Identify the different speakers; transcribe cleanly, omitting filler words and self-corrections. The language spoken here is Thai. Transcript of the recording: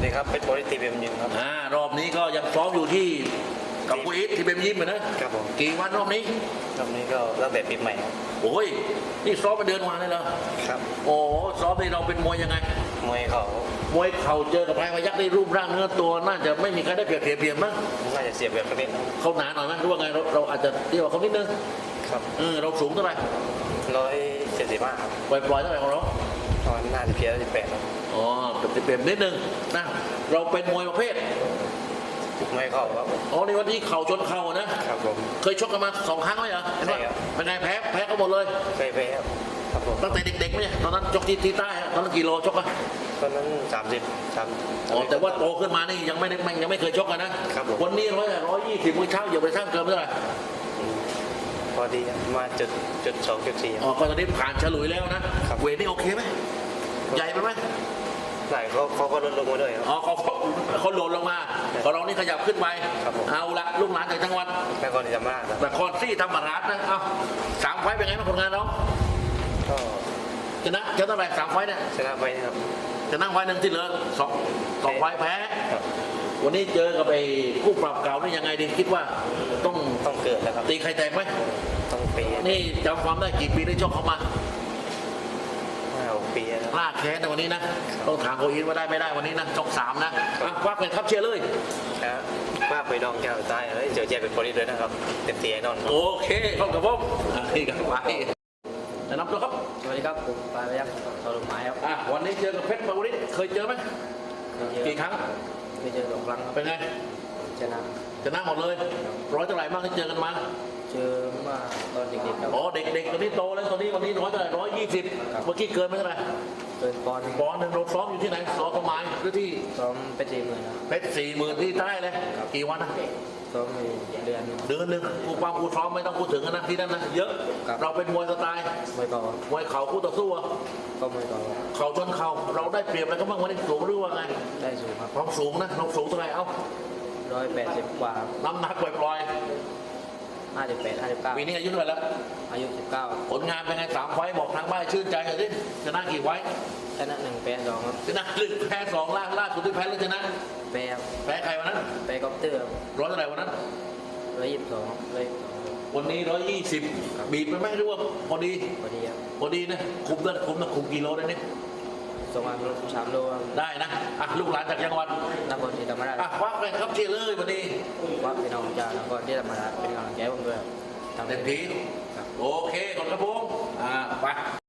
Speaker 1: ดีครับเป็นโปรตีเบมยิมครับ
Speaker 2: รอบนี้ก็ยังซ้อมอยู่ที่กับกูอิทที่เบมยิมเหมือนนะครับ
Speaker 1: ผม
Speaker 2: กี่วันรอบนี้
Speaker 1: ก็ตั้งแต่ปีใหม่ครับ
Speaker 2: โอ้ยนี่ซ้อมมาเดือนวันเลยเหรอ
Speaker 1: ครับ
Speaker 2: โอ้ซ้อมนี่เราเป็นมวยยังไง
Speaker 1: มวย
Speaker 2: เข่าเจอกับพายพยักได้รูปร่างเนื้อตัวน่าจะไม่มีใครได้เปรียบมั้ง
Speaker 1: น่าจะเสียเปรียบประเภท
Speaker 2: เขาหนาหน่อยไหมหรือว่าไงเราอาจจะเรียกว่าเขานิดนึง
Speaker 1: ครับ
Speaker 2: เราสูงเท่าไหร่
Speaker 1: 175ครับ
Speaker 2: ปล่อยเท่าไหร่ของเรา
Speaker 1: ตอนน่าจะเพียร์18ครับ
Speaker 2: อ๋อเปรียบนิดนึงนะเราเป็นมวยประเภท
Speaker 1: มวยเข่าครับ
Speaker 2: อ๋อในวันที่เข่าชนเข่านะครับ
Speaker 1: ผม
Speaker 2: เคยชกกันมา2 ครั้งไหมเหรอ
Speaker 1: ใช่ครับ
Speaker 2: เป็นไงแพ้ก็หมดเลย
Speaker 1: แพ้ครับผม
Speaker 2: ตั้งแต่เด็กๆไหมตอนนั้นชกที่ใต้ตอนนั้นกี่โลชกอะ
Speaker 1: ตอนนั้น30
Speaker 2: อ๋อแต่ว่าโตขึ้นมานี่ยังไม่เคยชกกันนะครับวันนี้120มื้อเช้าอย่าไปสร้างเกินเท่าไหร่
Speaker 1: พอดีมาจุด2.4
Speaker 2: อ๋อก็ตอนนี้ผ่านฉลุยแล้วนะเวทนี่โอเคไหมใหญ่ไปไหม
Speaker 1: ไหนเขาก็ลดลงมาด้วย
Speaker 2: อ๋อเขาโหลดลงมาของเรานี่ขยับขึ้นไปเอาละลูกหลานจากจังหวัด
Speaker 1: นครศรีธรรมราช
Speaker 2: นครศรีธรรมราชนะเอา3 ไฟเป็นไงบ้างผลงานเรา
Speaker 1: ก็
Speaker 2: ชนะเท่าไหร่3 ไฟเนี่ย
Speaker 1: ชนะไปนะครับ
Speaker 2: ชนะไฟหนึ่งที่เหลือ2 ไฟแพ้วันนี้เจอกับไอ้คู่ปรับเก่านี่ยังไงดีคิดว่า
Speaker 1: ต้องเกิดแล้วครับ
Speaker 2: ตีใครแตกไหม
Speaker 1: ต้องปี
Speaker 2: นี่จำความได้กี่ปีได้ชกเขามา
Speaker 1: 5-6 ปีแล้ว
Speaker 2: ลากแค้นในวันนี้นะต้องถามโคอินว่าได้ไม่ได้วันนี้นะชก3นะว่าเป็นครับเชียร์เลย
Speaker 1: นะว่าไปดองแก้วใต้เจอเจเป็นโปรตีด้วยนะครับเต็มที่แน่นอน
Speaker 2: โอเคขอบคุณผมนี่กันไปแนะนำตัวครับ
Speaker 1: สวัสดีครับผมปลายพยักษ์สรุปหมายครับ
Speaker 2: วันนี้เจอกับเพชรปาวริศเคยเจอไหมกี่ครั้ง
Speaker 1: เคยเจอ2 ครั้ง
Speaker 2: เป็นไงชนะหมดเลยร้อยเท่าไหร่บ้างที่เจอกันมา
Speaker 1: เจอมาตอนเด็กๆครับ
Speaker 2: อ๋อเด็กๆตอนนี้โตแล้วตอนนี้วันนี้100เท่าไหร่120เมื่อกี้เกินไม่เท่าไหร่
Speaker 1: เกินปอนด์
Speaker 2: หนึ่งเราซ้อมอยู่ที่ไหนซ้อมประมาณหรือที่
Speaker 1: ซ้อมเพชร40,000ครับ
Speaker 2: เพชร40,000ที่ใต้เลยกี่วันนะ
Speaker 1: ซ้อมเดือน
Speaker 2: หนึ่งครูซ้อมไม่ต้องพูดถึงนะที่นั่นนะเยอะเราเป็นมวยสไตล์
Speaker 1: ม
Speaker 2: วยเข่าคู่ต่อสู้
Speaker 1: ก็มวย
Speaker 2: เข่าชนเข่าเราได้เปรียบอะไรก็บ้างวันนี้สูงหรือว่าไง
Speaker 1: ได้สูงครับ
Speaker 2: ความสูงนะเราสูงเท่าไหร่
Speaker 1: 180 กว่า
Speaker 2: น้ำหนักปล่อย
Speaker 1: 58-59
Speaker 2: ปีนี้อายุเท่าไหร่แล้ว
Speaker 1: อายุ19
Speaker 2: ผลงานเป็นไง3 ไฟบอกทางบ้านชื่นใจหน่อยสิชนะกี่ไฟ
Speaker 1: ชนะ1แพ้2ครับ
Speaker 2: ชนะ1แพ้2ล่าสุดที่แพ้แล้วชนะ
Speaker 1: แพ้
Speaker 2: ใครวันนั้น
Speaker 1: แพ้ก๊อปเตอร์
Speaker 2: ร้อยเท่าไหร่วันนั้น
Speaker 1: 122
Speaker 2: วันนี้120บีบไปไหมหรือว่าพอดีนะคุมกิโลได้นี่
Speaker 1: 3 โล
Speaker 2: ได้นะลูกหลานจากจังหวัด
Speaker 1: นครศรีธรรมราช
Speaker 2: วักเลยครับเชียร์เลยวันนี้
Speaker 1: วักพี่น้องจากนครศรีธรรมราชเป็นกำลังใจผมด้วย
Speaker 2: เต็มที่โอเคขอบคุณครับผมไป